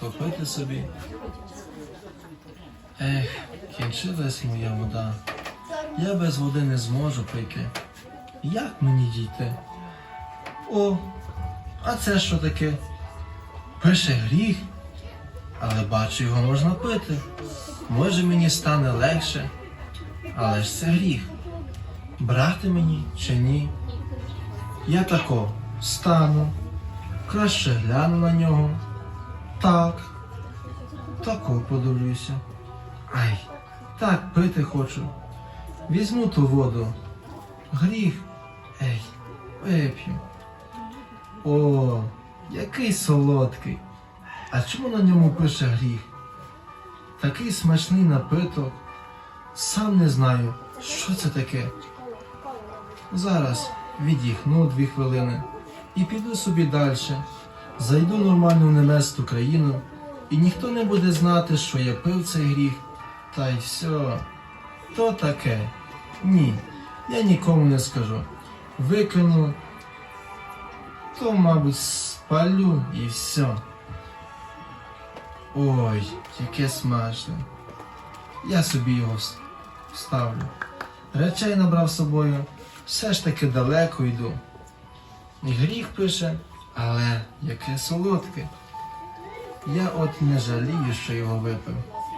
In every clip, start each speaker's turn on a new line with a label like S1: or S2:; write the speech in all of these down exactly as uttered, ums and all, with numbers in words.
S1: попити собі. Ех, кінчилась моя вода. Я без води не зможу пити. Як мені дійти? О, а це що таке? Пише гріх, але бачу, його можна пити. Може, мені стане легше, але ж це гріх. Брати мені чи ні? Я тако стану, краще гляну на нього. Так, тако подивлюся. Ай, так пити хочу. Візьму ту воду. Гріх. Ей, вип'ю. О, який солодкий. А чому на ньому пише гріх? Такий смачний напиток. Сам не знаю, що це таке. Зараз віддихну дві хвилини і піду собі далі. Зайду нормально в небесну країну, і ніхто не буде знати, що я пив цей гріх. Та й все. То таке. Ні, я нікому не скажу. Викину, то, мабуть, спалю і все. Ой, яке смачне. Я собі його вставлю. Речей набрав з собою, все ж таки далеко йду. І гріх пише, але яке солодке. Я от не жалію, що його випив.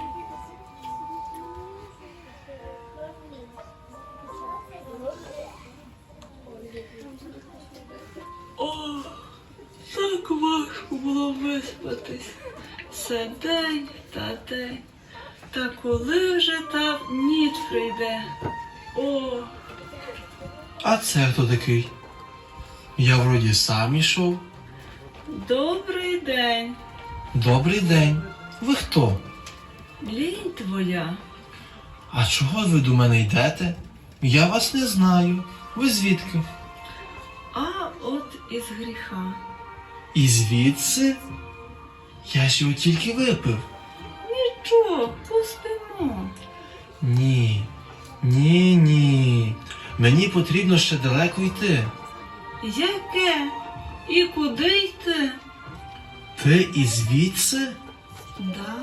S2: О, так важко було виспатись. Все день та день. Та коли вже та ніч прийде? О,
S1: А це хто такий? Я вроді сам ішов.
S2: добрий день.
S1: Добрий день. Ви хто?
S2: Лінь твоя.
S1: А чого ви до мене йдете? Я вас не знаю. Ви звідки?
S2: А от із гріха.
S1: І звідси? Я ж його тільки випив.
S2: Нічого, пустимо.
S1: Ні, ні, ні. Мені потрібно ще далеко йти.
S2: Яке? І куди йти?
S1: Ти і звідси?
S2: Да,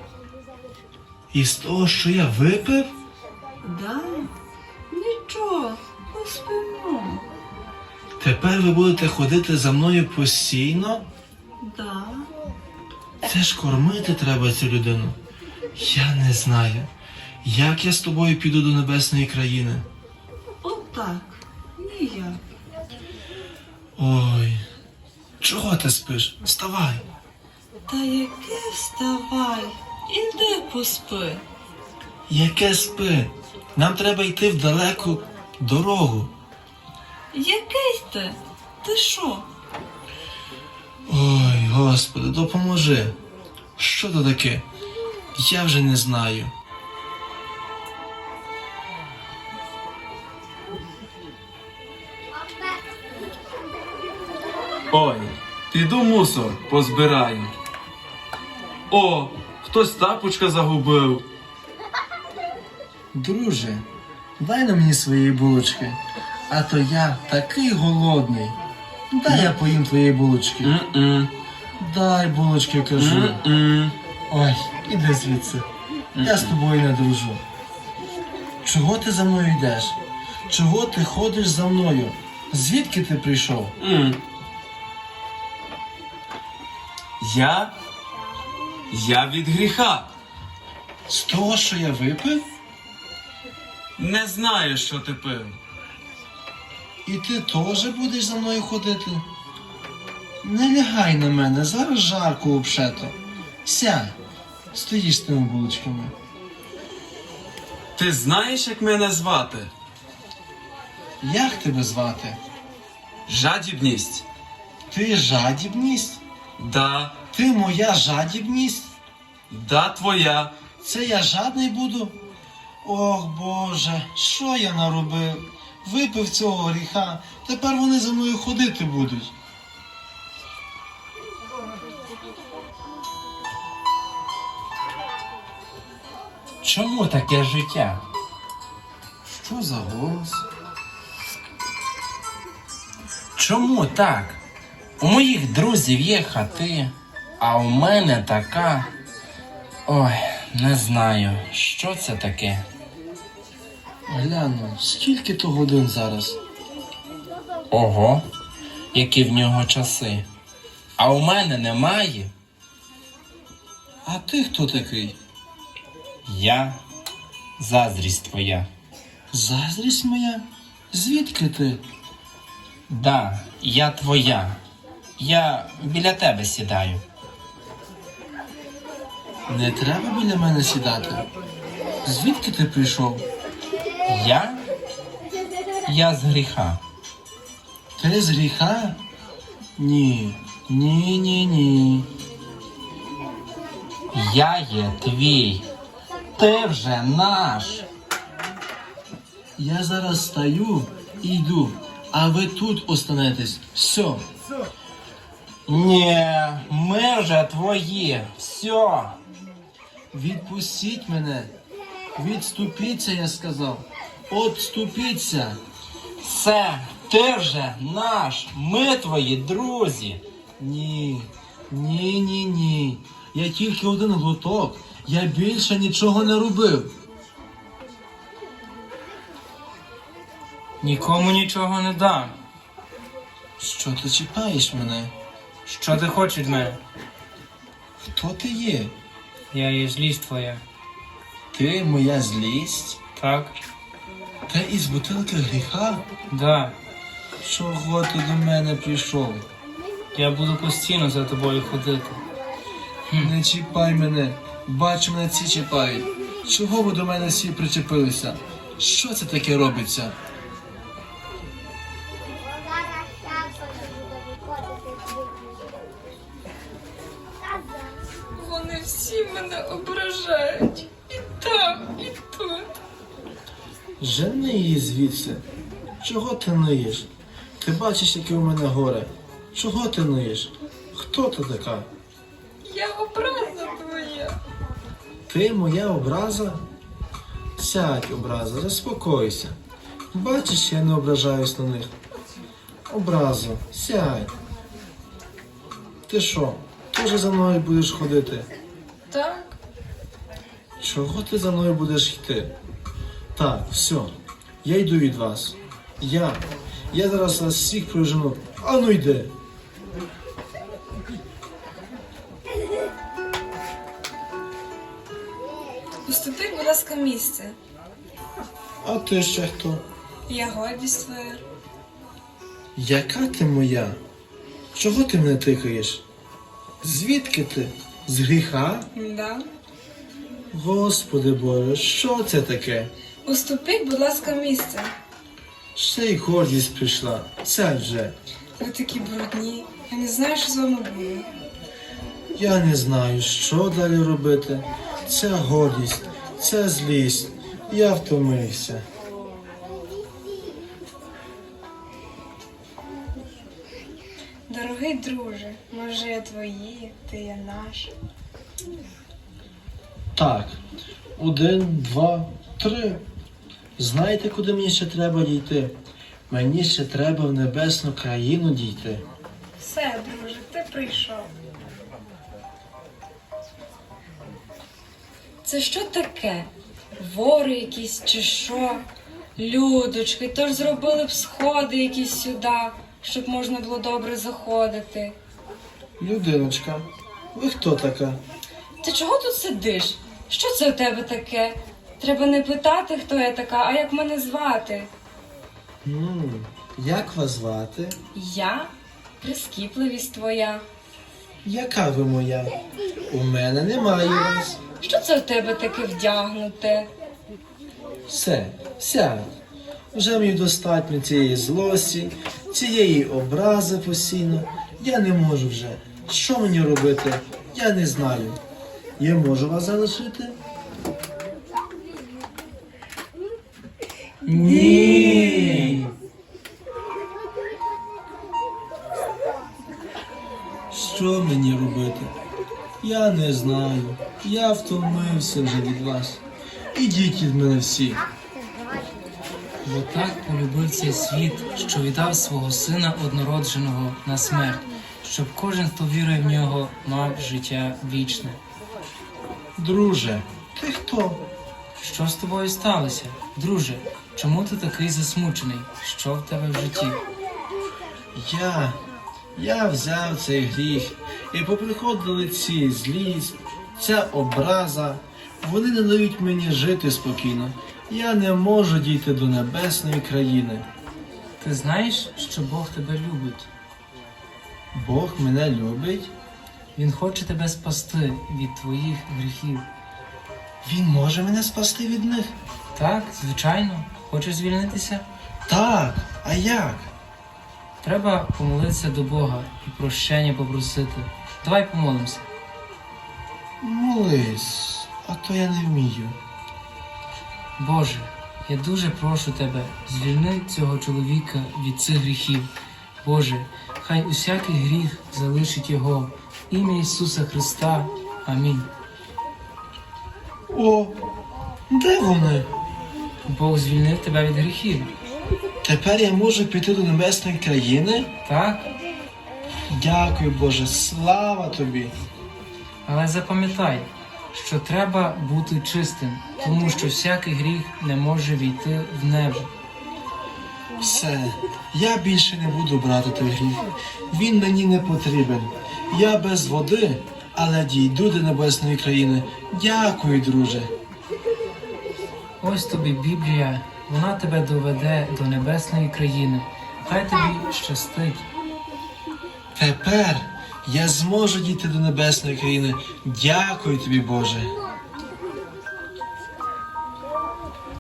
S1: Із того, що я випив?
S2: да. Нічого, поспимо.
S1: Тепер ви будете ходити за мною постійно?
S2: Да.
S1: Це ж кормити треба цю людину. Я не знаю, як я з тобою піду до небесної країни.
S2: Отак. Ніяк.
S1: Ой, чого ти спиш? Вставай.
S2: Та яке вставай, іди поспи.
S1: Яке спи? Нам треба йти в далеку дорогу.
S2: Який ти? Ти що?
S1: Ой, Господи, допоможи. Що то таке? Я вже не знаю.
S3: Ой, піду мусор позбираю. О, хтось тапочка загубив.
S1: Друже, дай на мені свої булочки, а то я такий голодний. Дай я поїм твої булочки.
S3: М-м,
S1: Дай булочки, кажу.
S3: м-м.
S1: Ой, іди звідси. Я з тобою не дружу. Чого ти за мною йдеш? Чого ти ходиш за мною? Звідки ти прийшов?
S3: М. Я? Я від гріха.
S1: З того, що я випив?
S3: Не знаю, що ти пив.
S1: І ти теж будеш за мною ходити? Не лягай на мене, зараз жарко обшето. Сядь, стоїш з тими булочками.
S3: Ти знаєш, як мене звати?
S1: Як тебе звати?
S3: Жадібність.
S1: Ти жадібність?
S3: Да,
S1: Ти моя жадібність?
S3: да твоя.
S1: Це я жадний буду? Ох, Боже, що я наробив? Випив цього гріха, тепер вони за мною ходити будуть.
S4: Чому таке життя?
S1: Що за голос?
S4: Чому так? У моїх друзів є хати, А у мене така. Ой, не знаю, що це таке.
S1: Гляну, скільки то годин зараз?
S4: Ого, які в нього часи. А у мене немає.
S1: А ти хто такий?
S4: Я заздрість твоя.
S1: Заздрість моя? Звідки ти?
S4: Да, я твоя. Я біля тебе сідаю.
S1: Не треба біля мене сідати. Звідки ти прийшов?
S4: Я? Я з гріха.
S1: Ти з гріха? Ні, ні, ні, ні.
S4: Я є твій. Ти вже наш.
S1: Я зараз стаю і йду, а ви тут останетесь. Все.
S4: Ні, ми вже твої. Все.
S1: Відпустіть мене. Відступіться, я сказав. Отступіться.
S4: Все, ти вже наш. Ми твої друзі.
S1: Ні, ні, ні, ні. Я тільки один глоток. Я більше нічого не робив.
S5: Нікому нічого не дам.
S1: Що ти чіпаєш мене?
S5: Що ти хочеш від мене?
S1: Хто ти є?
S5: Я є злість твоя.
S1: Ти моя злість?
S5: Так?
S1: Ти із бутилки гріха?
S5: Да.
S1: Чого ти до мене прийшов?
S5: Я буду постійно за тобою ходити.
S1: Не чіпай мене. Бачу, мене ці чіпають. Чого ви до мене всі причепилися? Що це таке робиться?
S2: Вони всі мене ображають. І там, і тут.
S1: Жени її звідси. Чого ти ниєш? Ти бачиш, яке у мене горе. Чого ти ниєш? Хто ти така?
S2: Я образа твоя.
S1: Ти моя образа? Сядь, образа, заспокойся. Бачиш, я не ображаюсь на них. Образа, сядь. Ти що, теж за мною будеш ходити?
S2: Так?
S1: Чого ти за мною будеш йти? Так, все, я йду від вас. Я. Я зараз вас всіх прижену. Ану йди.
S6: Уступіть, будь ласка, місце.
S1: А ти ще хто?
S6: Я гордість твоя.
S1: Яка ти моя? Чого ти мене тикаєш? Звідки ти? З гріха?
S6: Да.
S1: Господи Боже, що це таке?
S6: Уступіть, будь ласка, місце.
S1: Ще й гордість прийшла. Сядь вже.
S6: Ви такі брудні. Я не знаю, що з вами буде.
S1: Я не знаю, що далі робити. Ця гордість, ця злість. Я втомився.
S6: Дорогий друже, може я твої, ти є наш.
S1: Так, один, два, три. Знаєте, куди мені ще треба дійти? Мені ще треба в небесну країну дійти.
S6: Все, друже, ти прийшов. Це що таке? Вори якісь чи що? Людочки, тож зробили б сходи якісь сюди, щоб можна було добре заходити.
S1: Людиночка, ви хто така?
S6: Ти чого тут сидиш? Що це у тебе таке? Треба не питати, хто я така, а як мене звати.
S1: М, як вас звати?
S6: Я? Прискіпливість твоя.
S1: Яка ви моя? У мене немає вас.
S6: Що це у тебе таке вдягнуте?
S1: Все, сядь. Вже мені достатньо цієї злості, цієї образи постійно. Я не можу вже. Що мені робити? Я не знаю. Я можу вас залишити? Ні. Що мені робити? Я не знаю. Я втомився вже від вас. Ідіть від мене всі.
S5: Бо так полюбив цей світ, що віддав свого сина однородженого на смерть, щоб кожен, хто вірує в нього, мав життя вічне.
S1: Друже, ти хто?
S5: Що з тобою сталося? Друже, чому ти такий засмучений? Що в тебе в житті?
S1: Я. Я взяв цей гріх, і поприходили ці злість, ця образа. Вони не дають мені жити спокійно. Я не можу дійти до небесної країни.
S5: Ти знаєш, що Бог тебе любить?
S1: Бог мене любить.
S5: Він хоче тебе спасти від твоїх гріхів.
S1: Він може мене спасти від них?
S5: Так, звичайно. Хочеш звільнитися?
S1: Так, а як?
S5: Треба помолитися до Бога і прощення попросити. Давай помолимося.
S1: Молись, а то я не вмію.
S5: Боже, я дуже прошу тебе, звільни цього чоловіка від цих гріхів. Боже, хай усякий гріх залишить його. В ім'я Ісуса Христа. Амінь.
S1: О, де вони?
S5: Бог звільнив тебе від гріхів.
S1: Тепер я можу піти до небесної країни?
S5: Так?
S1: Дякую, Боже, слава тобі.
S5: Але запам'ятай, що треба бути чистим, тому що всякий гріх не може війти в небо.
S1: Все, я більше не буду брати той гріх. Він мені не потрібен. Я без води, але дійду до небесної країни. Дякую, друже.
S5: Ось тобі Біблія, вона тебе доведе до небесної країни. Хай тобі щастить.
S1: Тепер я зможу дійти до небесної країни. Дякую тобі, Боже.